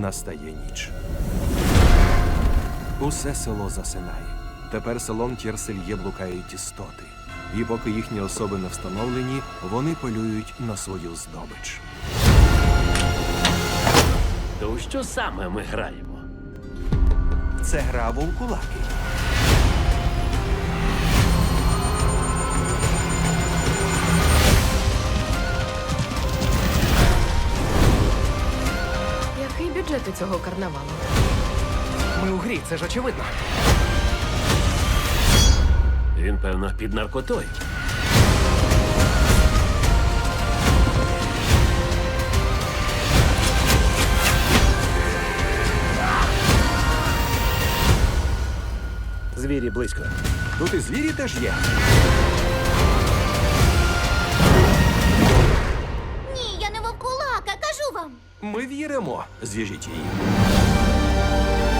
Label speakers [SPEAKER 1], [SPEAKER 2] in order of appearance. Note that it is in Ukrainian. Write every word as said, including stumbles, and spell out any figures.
[SPEAKER 1] настає ніч. Усе село засинає. Тепер селом Тєрсельє блукають істоти. І поки їхні особи не встановлені, вони полюють на свою здобич.
[SPEAKER 2] То у що саме ми граємо?
[SPEAKER 1] Це гра вовкулаки.
[SPEAKER 3] Який бюджет у цього карнавалу?
[SPEAKER 4] Ми у грі, це ж очевидно.
[SPEAKER 2] Він, певно, під наркотою.
[SPEAKER 4] Звірі близько.
[SPEAKER 1] Тут і звірі теж є.
[SPEAKER 5] Ні, я не вовкулака, кажу вам.
[SPEAKER 1] Ми віримо. Зв'яжіть її.